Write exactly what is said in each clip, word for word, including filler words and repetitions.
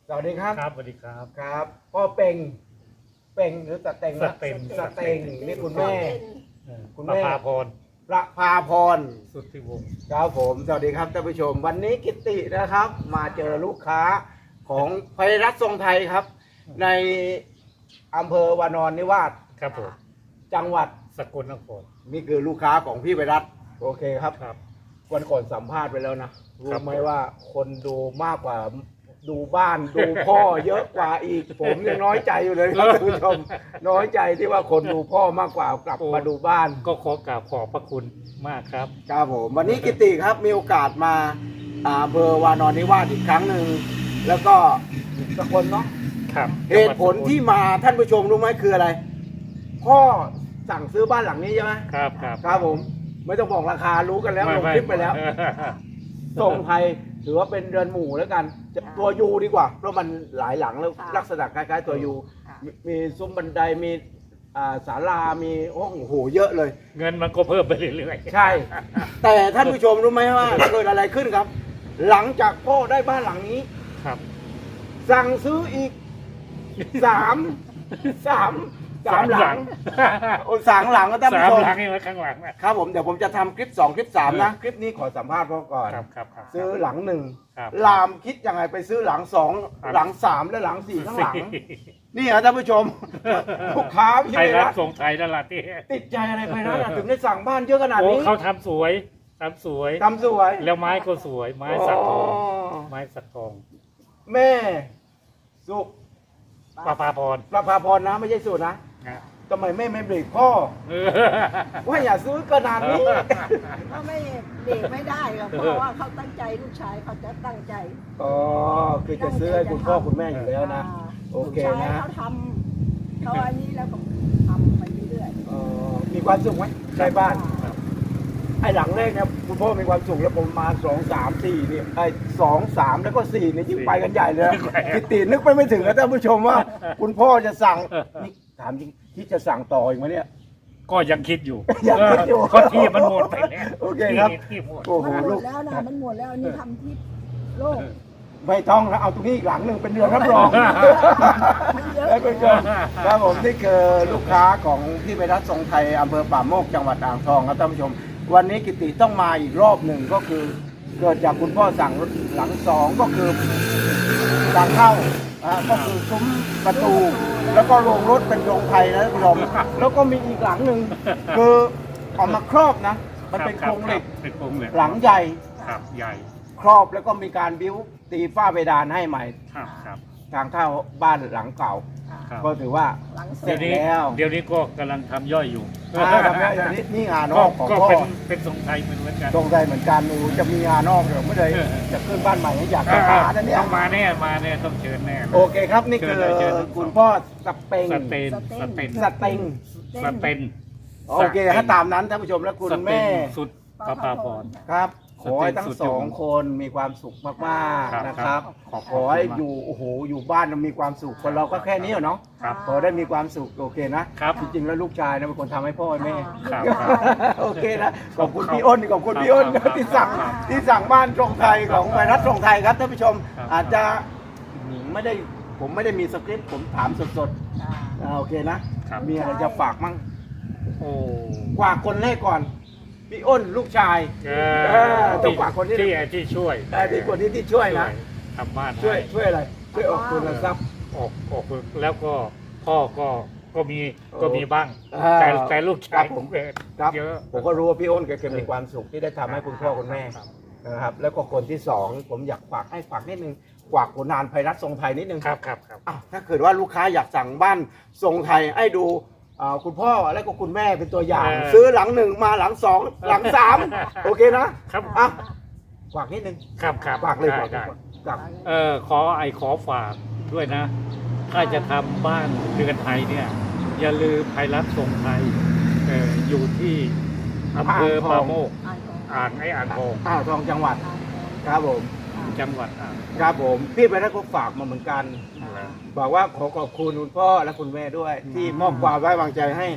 สวัสดีครับครับสวัสดีครับครับพ่อเป่งเป่งหรือตะเต็งนะสเต็งสเต็งนี่คุณแม่ คุณแม่ประภาพรประภาพรสุทธิวงศ์ครับผมสวัสดีครับท่านผู้ชม วันนี้กิตตินะครับ มาเจอลูกค้าของไพรัตน์ทรงไทยครับ ในอำเภอวานอนนิวาสครับผมจังหวัดสกลนครนี่คือลูกค้าของพี่ไพรัตน์โอเคครับครับวันก่อนสัมภาษณ์ไปแล้วนะรู้ครับไหมว่าคนดูมากกว่าดูบ้านดูพ่อเยอะกว่าอีก ผมยังน้อยใจอยู่เลยครับท่านผู้ชม น้อยใจที่ว่าคนดูพ่อมากกว่ากลับมาดูบ้านก็ขอกราบขอบพระคุณมากครับครับผมวันนี้กิติครับมีโอกาสมาอ่าอำเภอวานอนนิวาสอีกครั้งหนึ่งแล้วก็สกลเนาะครับเหตุผลที่มาท่านผู้ชมรู้ไหมคืออะไร พ่อสั่งซื้อบ้านหลังนี้ใช่ไหมครับครับครับผมไม่ต้องบอกราคารู้กันแล้วลงม่คลิปไปแล้วม่ทรงไทยถือว่าเป็นเรือนหมู่แล้วกันจะตัวยูดีกว่า เพราะมันหลายหลังแล้วค่ะลักษณะคล้ายๆตัวยูค่ะมีมีซุ้มบันไดมีอ่าศาลามีห้องโอ้โหเยอะเลยเงินมันก็เพิ่มไปเรื่อยๆใช่ แต่ท่านผู้ชมรู้ไหมว่าเกิดอะไรขึ้นครับ หลังจากพ่อได้บ้านหลังนี้ครับสั่งซื้ออีกสามสามสามหลังโอ้สามหลังก็ท่านสามผู้ชมหลังนี่ไว้ข้างหลังนะครับผมเดี๋ยวผมจะทำคลิปสองคลิปสามนะ คลิปนี้ขอสัมภาษณ์พ่อก่อนครับครับครับซื้อหลังหนึ่งครับลามคิดยังไงไปซื้อหลังสองครับหลังสามและหลังสี่ข้างหลัง นี่ฮะท่านผู้ชม ลูกค้าพี่ไทยรัฐรัฐส่งไทยนั่นแหละที่ติดใจอะไรไปนะถึงได้สั่งบ้านเยอะขนาดโอ้นี้เขาทำสวยทำสวยทำสวยแล้วไม้ก็สวย ไม้สักทองอ๋อไม้สักทองแม่สุประภาพรประภาพรนะไม่ใช่สุนะนะทำไมแม่ไม่เบรกพ่อเออว่าอย่าซื้อขนาดนี้เขาไม่เบรกไม่ได้หรอกเพราะว่าเขาตั้งใจลูกชายเขาจะตั้งใจอ๋อคือจะซื้อให้คุณพ่อคุณแม่อยู่แล้วนะอ่าโอเคนะลูกชายเขาทำเขาอันนี้แล้วก็ทำไปเรื่อยเอ่อมีความสุขไหมใกล้บ้าน ไอ้หลังแรกเนี่ยคุณพ่อมีความสุขแล้วผมมาสองสามสี่นี่ไอ้สองสามแล้วก็สี่นี่ยิ่งไปกันใหญ่เลยนะกิตตินึกไปไม่ถึงนะท่านผู้ชมว่า คุณพ่อจะสั่งนี่ถามจริงที่จะสั่งต่ออีกไหมเนี่ยก็ยังคิดอยู่ยังคิดอยู่ก็ที่มันหมดไปแล้วโอเคครับที่ที่หมดโอ้ๆโหมันหมลูดกแล้วนะมันหมดแล้วอันนี่ทำที่โลกไม่ต้องแล้วเอาตรงนี้อีกหลังหนึ่งเป็นเรือนรับรองมันเยอะแล้วคุณผู้ชมครับผมนี่คือลูกค้าของพี่ไพรัตน์ทรงไทยอำเภอป่าโมกจังหวัดอ่างทองครับท่านผู้ชม วันนี้กิติต้องมาอีกรอบหนึ่งก็คือ เกิดจากคุณพ่อสั่งหลังสองก็คือทางเข้าอ่าก็คือซุ้มประตู แล้วก็โรงรถเป็นโรงไทยนะท่านผู้ชมแล้วก็มีอีกหลังหนึ่งคือเอามาครอบนะ มันเป็นโครงเหล็กเป็นโครงเหล็กหลังใหญ่ครับใหญ่ครอบแล้วก็มีการบิ้วตีฝ้าเพดานให้ใหม่ครับครับทางเข้าบ้านหลังเก่าครับก็ถือว่าหลังเสเสร็ร็จจเดี๋ยวนี้แล้วเดี๋ยวนี้ก็กำลังทำย่อยอยู่อ่าครับเนี่ยอย่างนี้นี่งานนก็อกของก็พ่อเป็นเป็นทรงไทยเหมือนกันตรงใจเหมือนกันหนูจะมีงานนอกเดี๋ยวไม่ได้จะขึ้นบ้านใหม่ให้อยากจะหานะเนี่ยต้องมาแน่มาแน่ต้องเชิญแน่โอเคครับนี่คือเชิญเลยเชิญเลยคุณพ่อสเปงสเตนสเตนสเต็งสเตนโอเคถ้าตามนั้นท่านผู้ชมและคุณแม่สุดประภาพรครับ ขอให้ทั้งสุดสองคนมีความสุขมากๆนะครับขอบขอให้อยู่โอ้โหอยู่บ้านเรามีความสุขคนเราก็แค่นี้เนาะครับขอได้มีความสุขโอเคนะครับ จริงๆแล้วลูกชายนะเป็นคนทำให้พ่อให้แม่ครับโอเคนะขอบคุณพี่อ้นขอบคุณพี่อ้นครับที่สั่งครับที่สั่งบ้านตรงไทยของไพรัตน์ตรงไทยครับท่านผู้ชมครับอาจจะไม่ได้ผมไม่ได้มีสคริปต์ผมถามสดอ่าๆอ่าโอเคนะครับ มีอะไรจะฝากมั่งโอ้กว่าคนแรกก่อนพี่อ้นลูกชายเอเออต้องฝากคนที่ที่ที่ช่วยแต่ที่คนที่ที่ช่วยนะทำบ้านช่วยให้ช่วยอะไรช่วยออกทุนทรัพย์ออกออกแล้วก็พ่อก็ก็มีโอ้ก็มีบ้างอ่าแต่แต่ลูกชายครับผมเกิดครับเยอะผมก็รู้ว่าพี่อ้นแกมีความสุขที่ได้ทำให้คุณพ่อคุณแม่ครับนะครับแล้วก็คนที่สองผมอยากฝากให้ฝากนิดนึงฝากผลงานไพรัตน์ทรงไทยนิดนึงครับครับครับอ้าวถ้าเกิดว่าลูกค้าอยากสั่งบ้านทรงไทยให้ดูอ่าคุณพ่อและก็คุณแม่เป็นตัวอย่าง ซื้อหลังหนึ่งมาหลังสองหลังสามโอเคนะครับ อ่ะฝากนิดนึงครับครับฝากเลยได้ฝากได้ฝากเออขอไอขอฝากด้วยนะ ถ้าจะทำบ้านเรือนไทยเนี่ย อย่าลืมไพรัตน์ทรงไทยเอออยู่ที่อำเภอป่าโมกอ่านของอ่างไออ่างทองอ่างทองจังหวัดอ่านของครับผมจังหวัดอ่างครับผมพี่ไพรัตน์ก็ฝากมาเหมือนกัน บอกว่าขอขอบคุณคุณพ่อและคุณแม่ด้วย ที่มอบความไว้วางใจให้ไพ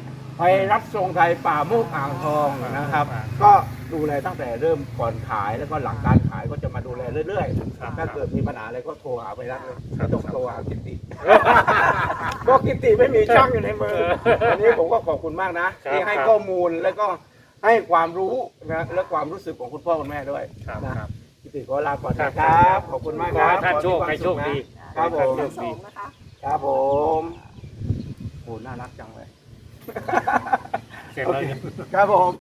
ภัยรัฐทรงไทยป่าโมกอ่างทองนะครับอ่าก็ดูแลตั้งแต่เริ่มก่อนขายแล้วก็หลังการขายก็จะมาดูแลเรื่อยครับๆถ้าเกิดมีปัญหาอะไรก็โทรหาภัยรัฐเลยครับไม่ต้องโทรหากิตติเพราะกิตติไม่มีช่างอยู่ในมือวันนี้ผมก็ขอบคุณมากนะที่ให้ข้อมูลแล้วก็ให้ความรู้นะและความรู้สึกของคุณพ่อคุณแม่ด้วยครับนะครับ กิตติขอลาก่อนครันะบครับขอบคุณมากขคอรับให้ท่านโชคขอให้โชคดีครับผมทั้งสองนะคะครับผมโหน่ารักจังเลยเสร็จแล้วครับผม